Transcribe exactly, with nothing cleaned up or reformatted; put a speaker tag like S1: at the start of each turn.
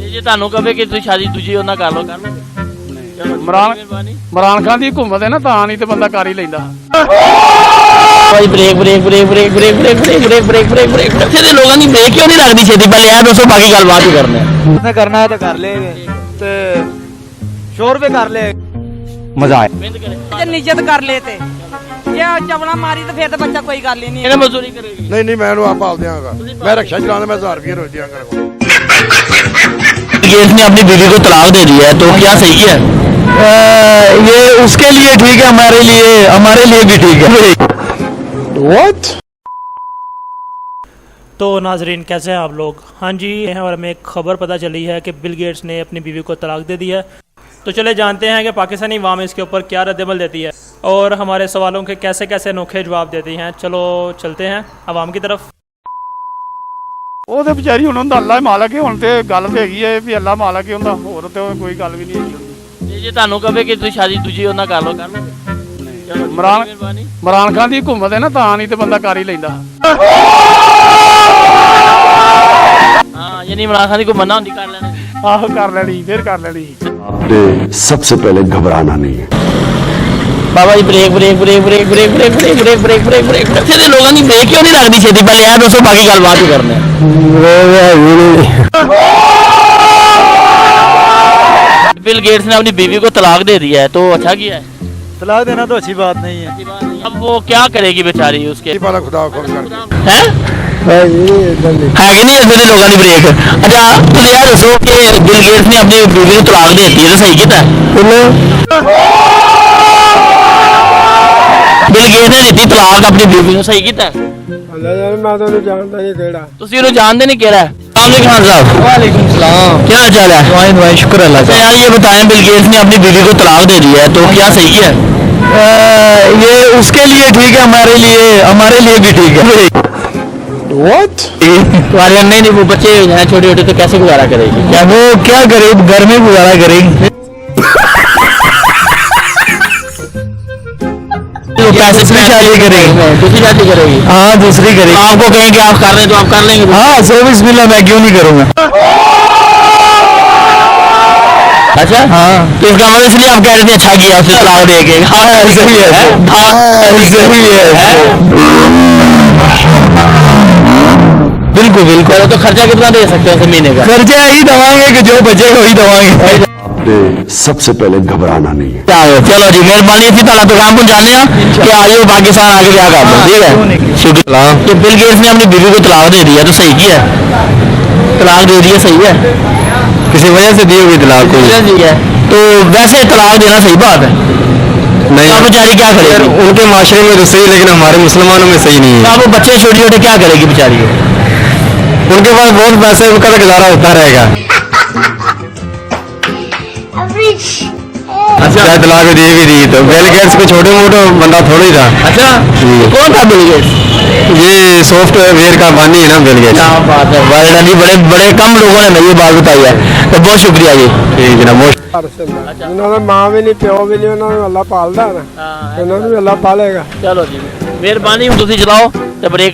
S1: ਜੇ ਤੁਹਾਨੂੰ ਕਹੇ ਕਿ ਤੁਸੀਂ ਸ਼ਾਦੀ ਦੂਜੀ ਉਹਨਾਂ ਕਰ ਲਓ ਕਰ ਲਓਗੇ?
S2: ਇਮਰਾਨ ਇਮਰਾਨ ਖਾਨ ਦੀ ਹਕੂਮਤ ਹੈ ਨਾ ਤਾਂ ਨਹੀਂ ਤੇ ਬੰਦਾ ਕਰ ਹੀ ਲੈਂਦਾ।
S1: ਭਾਈ break break break break break break break break break break break ਇੱਥੇ ਦੇ ਲੋਕਾਂ ਦੀ ਬ੍ਰੇਕ ਕਿਉਂ ਨਹੀਂ ਲੱਗਦੀ ਛੇਤੀ? ਪਹਿਲੇ ਇਹ ਦੱਸੋ, ਬਾਕੀ ਗੱਲ ਬਾਅਦ ਹੀ ਕਰਨੇ ਆ।
S3: उसने करना है तो कर ले ते सौ रुपए कर ले
S4: मजा आए।
S5: ਜੇ ਨਿਜਤ ਕਰ ਲੇ ਤੇ ਜੇ ਚਵਲਾ ਮਾਰੀ ਤਾਂ ਫਿਰ ਤਾਂ ਬੱਚਾ ਕੋਈ ਗੱਲ ਹੀ ਨਹੀਂ।
S1: ਇਹਨੇ ਮਜ਼ਦੂਰੀ ਕਰੇਗੀ?
S6: नहीं नहीं मैं आप पाल दियांगा। मैं रक्षा चलाना मैं हजार रुपये रोज दियांगा।
S1: इसने अपनी बीवी को तलाक दे दिया है तो क्या सही है?
S4: ये उसके लिए ठीक है, हमारे लिए हमारे लिए भी ठीक है। What?
S7: तो नाजरीन कैसे हैं आप लोग? हाँ जी, और हमें एक खबर पता चली है कि बिल गेट्स ने अपनी बीवी को तलाक दे दिया है। तो चले जानते हैं कि पाकिस्तानी अवाम इसके ऊपर क्या रद्दमल देती है और हमारे सवालों के कैसे कैसे अनोखे जवाब देती हैं। चलो चलते हैं अवाम की तरफ।
S2: ਉਹ ਤੇ ਵਿਚਾਰੀ ਹੁਣ ਹੁੰਦਾ ਅੱਲਾ ਮਾਲਕ ਹੈ। ਹੁਣ ਤੇ ਗੱਲ ਤੇ ਹੈਗੀ ਹੈ ਵੀ ਅੱਲਾ ਮਾਲਕ ਹੈ ਹੁੰਦਾ, ਹੋਰ ਤੇ ਕੋਈ ਗੱਲ ਵੀ ਨਹੀਂ ਹੈਗੀ।
S1: ਜੇ ਤੁਹਾਨੂੰ ਕਹੇ ਕਿ ਤੁਸੀਂ ਸ਼ਾਦੀ ਦੂਜੀ ਉਹਨਾਂ ਕਰ ਲਓ ਕਰ ਲਓਗੇ?
S2: ਇਮਰਾਨ ਇਮਰਾਨ ਖਾਨ ਦੀ ਹਕੂਮਤ ਹੈ ਨਾ ਤਾਂ ਨਹੀਂ ਤੇ ਬੰਦਾ ਕਰ ਹੀ ਲੈਂਦਾ।
S1: ਹਾਂ ਯਾਨੀ ਇਮਰਾਨ ਖਾਨ ਦੀ ਕੋਈ ਮੰਨਾ ਹੁੰਦੀ ਕਰ ਲੈਣਾ।
S2: ਆਹੋ ਕਰ ਲੈਣੀ, ਫਿਰ ਕਰ ਲੈਣੀ।
S4: सबसे पहले घबराना नहीं है।
S1: Baba ji break break break break break break break break break break break ਇੱਥੇ ਦੇ ਲੋਕਾਂ ਦੀ ਬ੍ਰੇਕ ਕਿਉਂ ਨਹੀਂ ਲੱਗਦੀ ਛੇਤੀ? ਪਹਿਲੇ ਇਹ ਦੱਸੋ, ਬਾਕੀ ਗੱਲ ਬਾਅਦ ਹੀ ਕਰਨੇ ਆ। बिल गेट्स ने अपनी बीवी को तलाक दे दिया है तो अच्छा किया है?
S3: तलाक देना तो अच्छी बात नहीं है।
S1: अब वो क्या करेगी बेचारी उसके?
S6: पाला खुदा खोल कर
S1: है है कि नहीं इधर लोगों की ब्रेक? अच्छा तुम यार दसो कि बिल गेट्स ने अपनी बीवी को तलाक दे दी है तो सही किया? बिल गेट्स ने दी तलाक अपनी बीवी को, सही किया?
S3: मैं तो जानता नहीं केड़ा।
S1: ਤੁਸੀਂ ਉਹਨੂੰ ਜਾਣਦੇ ਨਹੀਂ ਕਿਹੜਾ? अस्सलाम खान साहब।
S3: वालेकुम सलाम।
S1: क्या हाल चाल है?
S4: दुआएं दुआएं शुक्र अल्लाह
S1: अच्छा
S4: का।
S1: यार ये बताएं, बिल गेट्स ने अपनी बीवी को तलाक दे दिया है तो क्या सही है?
S4: ये उसके लिए ठीक है, हमारे लिए हमारे लिए भी ठीक है। What?
S1: तुम्हारे नहीं नहीं वो बच्चे हैं छोटे छोटे तो कैसे गुजारा करेगी?
S4: क्या वो क्या करे, घर में गुजारा करेगी।
S1: तो पैसे
S4: दूसरी शादी करेगी।
S1: दूसरी शादी करेगी?
S4: हाँ दूसरी करेगी।
S1: आपको कहेंगे आप कर रहे हैं तो आप कर लेंगे?
S4: हाँ सो बिस्मिल्लाह, मैं क्यों नहीं करूँगा।
S1: अच्छा
S4: हाँ
S1: तो इसका मतलब इसलिए आप कह रहे थे अच्छा किया उसे तलाक दे के?
S4: हाँ सही है, हाँ सही है, बिल्कुल बिल्कुल।
S1: तो खर्चा कितना दे सकते हैं महीने का?
S4: खर्चा ही दवाएंगे कि जो बचेगा वही दवाएंगे। सबसे पहले घबराना नहीं है।
S1: चलो जी मेहरबानी थी ताला पैगाम पहुंचाने कि आज वो पाकिस्तान आगे क्या कर दो। ठीक है शुक्रिया। तो बिल गेट्स ने अपनी बीवी को तलाक दे दिया तो सही किया? तलाक दे दिया सही है?
S4: किसी वजह से दी होगी तलाक को?
S1: दी है तो वैसे तलाक देना सही बात है?
S4: नहीं
S1: तो बेचारी क्या करेगी?
S4: उनके माशरे में तो सही, लेकिन हमारे मुसलमानों में सही नहीं
S1: तो
S4: है।
S1: अब वो बच्चे छोटे छोटे क्या करेगी बेचारी?
S4: उनके पास बहुत पैसे, उनका तो गुजारा होता रहेगा। अच्छा तलाक दे भी दी तो बिल गेट्स को छोटे मोटे बंदा थोड़ा ही था।
S1: अच्छा कौन था बिल गेट्स?
S4: ये सॉफ्टवेयर का बानी है ना बिल गेट्स।
S1: क्या बात है, वर्ल्ड में बड़े बड़े कम लोगों ने ये बात बताई है तो बहुत शुक्रिया जी।
S4: ठीक है ना, बहुत
S3: ਉਹਨਾਂ ਦਾ ਮਾਂ ਵੀ ਨਹੀਂ ਪਿਓ ਵੀ ਨਹੀਂ, ਉਹਨਾਂ ਨੂੰ ਅੱਲਾ ਪਾਲਦਾ ਨਾ, ਇਹਨਾਂ ਨੂੰ ਵੀ ਅੱਲਾ ਪਾਲੇਗਾ।
S1: चलो जी मेहरबानी, तुम चलाओ तो ब्रेक